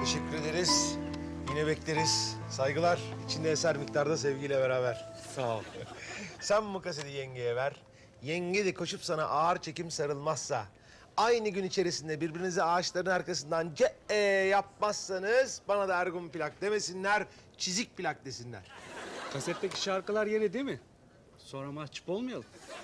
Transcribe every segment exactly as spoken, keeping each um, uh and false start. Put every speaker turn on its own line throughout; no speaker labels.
Teşekkür ederiz. Yine bekleriz. Saygılar. İçinde eser miktarda sevgiyle beraber.
Sağ ol.
Sen bu kaseti yengeye ver. Yenge de koşup sana ağır çekim sarılmazsa... ...aynı gün içerisinde birbirinize ağaçların arkasından ce e yapmazsanız... ...bana da Ergun plak demesinler, çizik plak desinler.
Kasetteki şarkılar yeni değil mi? Sonra mahcup olmayalım.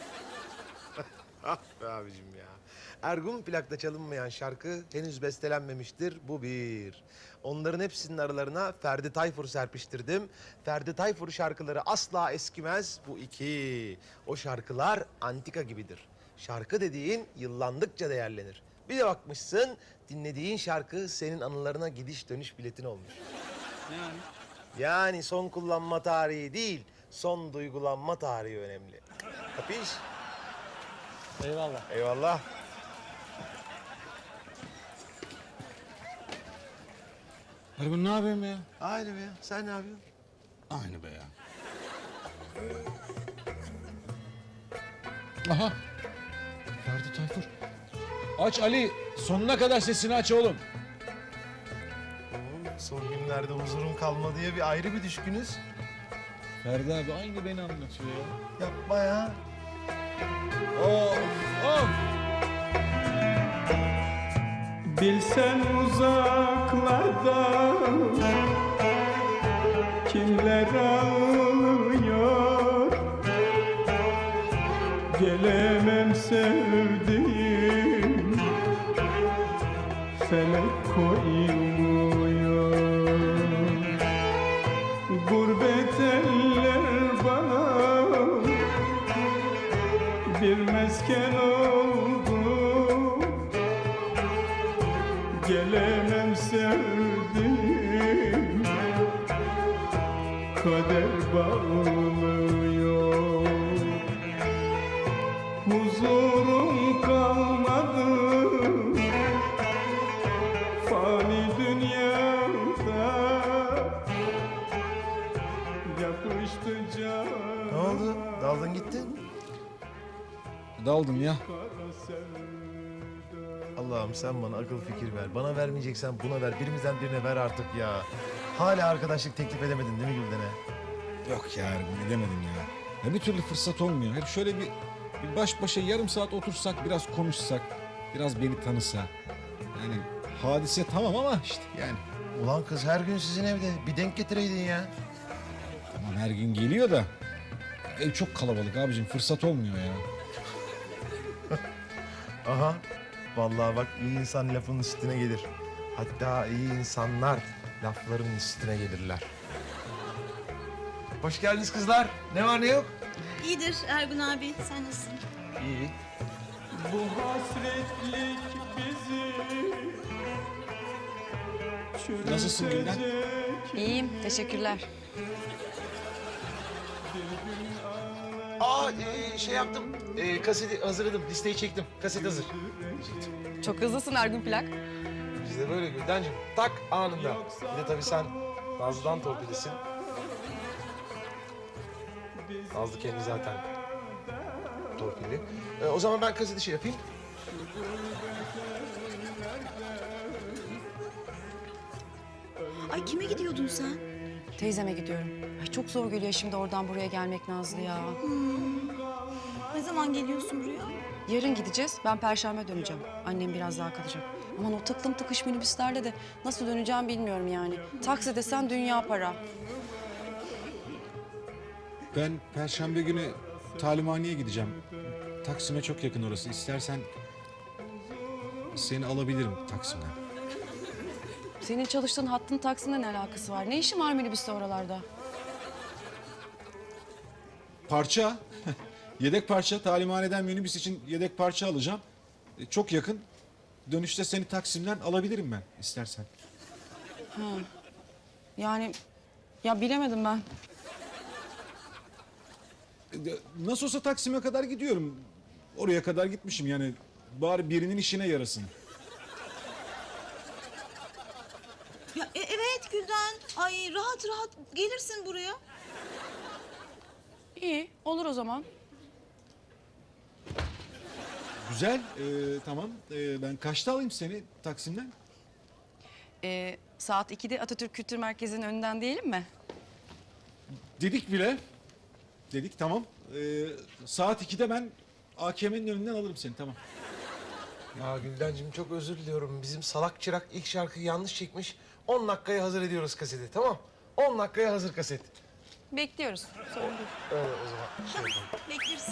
Ah be abicim ya. Ergun plakta çalınmayan şarkı henüz bestelenmemiştir. Bu bir. Onların hepsinin aralarına Ferdi Tayfur serpiştirdim. Ferdi Tayfur şarkıları asla eskimez. Bu iki. O şarkılar antika gibidir. Şarkı dediğin yıllandıkça değerlenir. Bir de bakmışsın dinlediğin şarkı senin anılarına gidiş dönüş biletin olmuş.
Yani
Yani son kullanma tarihi değil, son duygulanma tarihi önemli. Kapış?
eyvallah.
Eyvallah.
Ergun ne yapayım ya?
Aynı be ya. Sen ne yapıyorsun?
Aynı be ya. Aha. Ferdi Tayfur. Aç Ali. Sonuna kadar sesini aç oğlum.
Oğlum, son günlerde huzurum kalmadı diye bir ayrı bir düşkünüz.
Ferdi abi aynı beni anlatıyor ya.
Yapma ya.
Of of.
Bilsen uzaklarda kimler ağlıyor, gelemem sevdiğim, felek koymuyor. Gurbet eller bana bir mesken oldu, gelemem sevdiğim, kader bağlıyor. Huzurum kalmadı fani dünyada, yapıştı canım.
Ne oldu? Daldın gittin.
Daldım ya.
Allah'ım sen bana akıl fikir ver. Bana vermeyeceksen buna ver. Birimizden birine ver artık ya. Hala arkadaşlık teklif edemedin değil mi Gülden'e?
Yok ya Ergun edemedim ya. Ya bir türlü fırsat olmuyor. Hep şöyle bir, bir baş başa yarım saat otursak, biraz konuşsak, biraz beni tanısa. Yani hadise tamam ama işte yani.
Ulan kız her gün sizin evde. Bir denk getireydin ya.
Tamam her gün geliyor da ev çok kalabalık abicim, fırsat olmuyor ya.
Aha. Vallahi bak iyi insan lafın üstüne gelir. Hatta iyi insanlar lafların üstüne gelirler. Hoş geldiniz kızlar. Ne var ne yok?
İyidir Ergun abi. Sen nasılsın?
İyi.
Bu hasretlik bizi
Nasılsın Gülden?
çürütecek.
İyiyim, teşekkürler.
Aa e, şey yaptım. E, kaseti hazırladım. Listeyi çektim. Kaset hazır.
Çok hızlısın Ergun Plak.
Biz de böyle Güldencim. Tak anında. Bir de tabii sen Nazlı'dan torpilisin. Nazlı kendi zaten torpilli. E, o zaman ben kaseti şey yapayım.
Ay kime gidiyordun sen?
Teyzeme gidiyorum. Ay çok zor geliyor şimdi oradan buraya gelmek Nazlı ya.
Ne zaman geliyorsun buraya?
Yarın gideceğiz, ben perşembe döneceğim. Annem biraz daha kalacak. Aman o tıklım tıkış minibüslerle de nasıl döneceğim bilmiyorum yani. Taksi desen dünya para.
Ben perşembe günü talimhaneye gideceğim. Taksim'e çok yakın orası. İstersen seni alabilirim Taksim'den.
Senin çalıştığın hattın Taksim'le ne alakası var? Ne işin var minibüste oralarda?
Parça. Yedek parça. Talimhaneden minibüs için yedek parça alacağım. E, çok yakın. Dönüşte seni Taksim'den alabilirim ben istersen.
Yani ya bilemedim ben.
E, Nasıl olsa Taksim'e kadar gidiyorum. Oraya kadar gitmişim yani. Bari birinin işine yarasın.
Ya e- evet Gülden. Ay rahat rahat gelirsin buraya.
İyi, olur o zaman.
Güzel. e, tamam. E, ben kaçta alayım seni Taksim'den?
Ee, Saat ikide Atatürk Kültür Merkezi'nin önünden diyelim mi?
Dedik bile. Dedik tamam. Ee, saat ikide ben A K M'nin önünden alırım seni tamam.
Ya Güldencim çok özür diliyorum. Bizim salak çırak ilk şarkıyı yanlış çekmiş. on dakikaya hazır ediyoruz kaseti, tamam? on dakikaya hazır kaset.
Bekliyoruz. Sorun değil.
Öyle o zaman şey yapalım.
Bekleriz.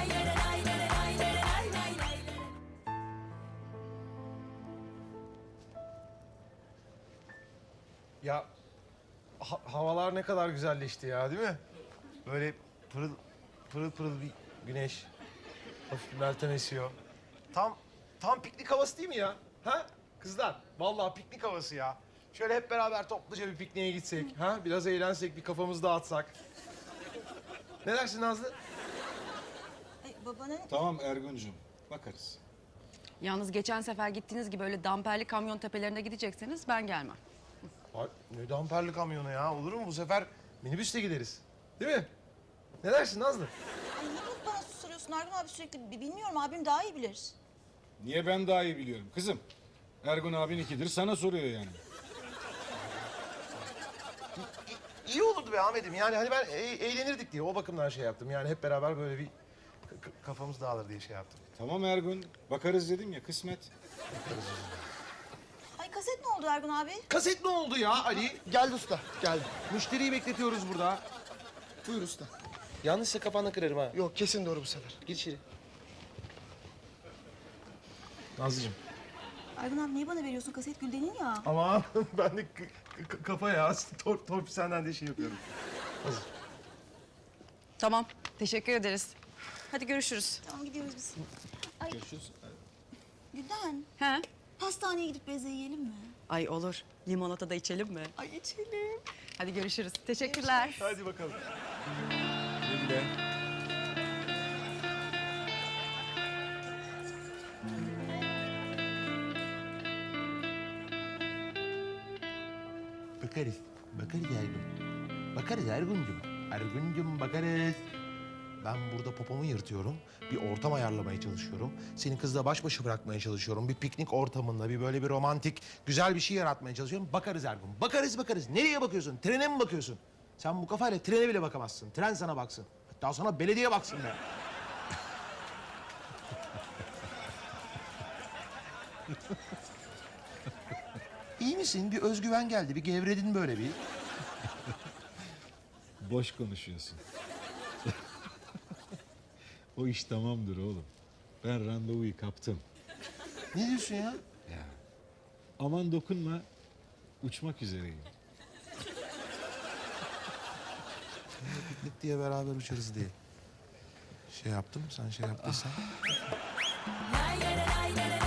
Ya ha- havalar ne kadar güzelleşti ya, değil mi? Böyle pırıl pırıl pırıl bir güneş. Hafif bir meltem esiyor. Tam tam piknik havası değil mi ya? Ha? Kızlar, vallahi piknik havası ya. Şöyle hep beraber topluca bir pikniğe gitsek, ha? Biraz eğlensek, bir kafamızı dağıtsak. Ne dersin Nazlı?
Ay, babanın
Tamam Ergun'cum bakarız.
Yalnız geçen sefer gittiğiniz gibi öyle damperli kamyon tepelerine gidecekseniz ben gelmem.
Ay, ne damperli kamyonu ya, olur mu? Bu sefer minibüsle gideriz. Değil mi? Ne dersin Nazlı?
Ay, niye bunu bana soruyorsun Ergun abi sürekli? Bi- Bilmiyorum, abim daha iyi bilir.
Niye ben daha iyi biliyorum kızım? Ergun abin ikidir sana soruyor yani.
İyi olurdu be Ahmet'im. Yani hani ben e- eğlenirdik diye o bakımdan şey yaptım. Yani hep beraber böyle bir k- k- kafamız dağılır diye şey yaptım.
Tamam Ergun bakarız dedim ya kısmet.
Ay, kaset ne oldu Ergun abi?
Kaset ne oldu ya Ali? Geldi usta, geldi. Müşteriyi bekletiyoruz burada.
Buyur usta.
Yanlışsa kafanı kırarım ha.
Yok kesin doğru bu sefer.
Gir içeri. Nazlıcığım.
Ergun abi niye bana veriyorsun? Kaset Gülden'in ya.
Ama ben de k- k- kafa ya. Tor torpil senden de şey yapıyorum. Hazır.
Tamam. Teşekkür ederiz. Hadi görüşürüz.
Tamam, gidiyoruz biz. Ay,
Görüşürüz.
Gülden,
He?
pastaneye gidip beze yiyelim mi?
Ay olur. Limonata da içelim mi?
Ay, içelim.
Hadi görüşürüz. Teşekkürler.
Hadi bakalım.
Güle.
Bakarız. Bakarız Ergun. Bakarız Ergun'cum. Ergun'cum bakarız. Ben burada popomu yırtıyorum. Bir ortam ayarlamaya çalışıyorum. Seni kızla baş başa bırakmaya çalışıyorum. Bir piknik ortamında bir böyle bir romantik güzel bir şey yaratmaya çalışıyorum. Bakarız Ergun. Bakarız bakarız. Nereye bakıyorsun? Trene mi bakıyorsun? Sen bu kafayla trene bile bakamazsın. Tren sana baksın. Hatta sana belediye baksın be. İyi misin? Bir özgüven geldi. Bir gevredin böyle bir.
Boş konuşuyorsun. O iş tamamdır oğlum. Ben randevuyu kaptım.
Ne diyorsun ya?
Aman dokunma. Uçmak üzereyim.
Piknik diye beraber uçarız diye. Şey yaptım, sen şey yaptıysan.
Lay lay lay lay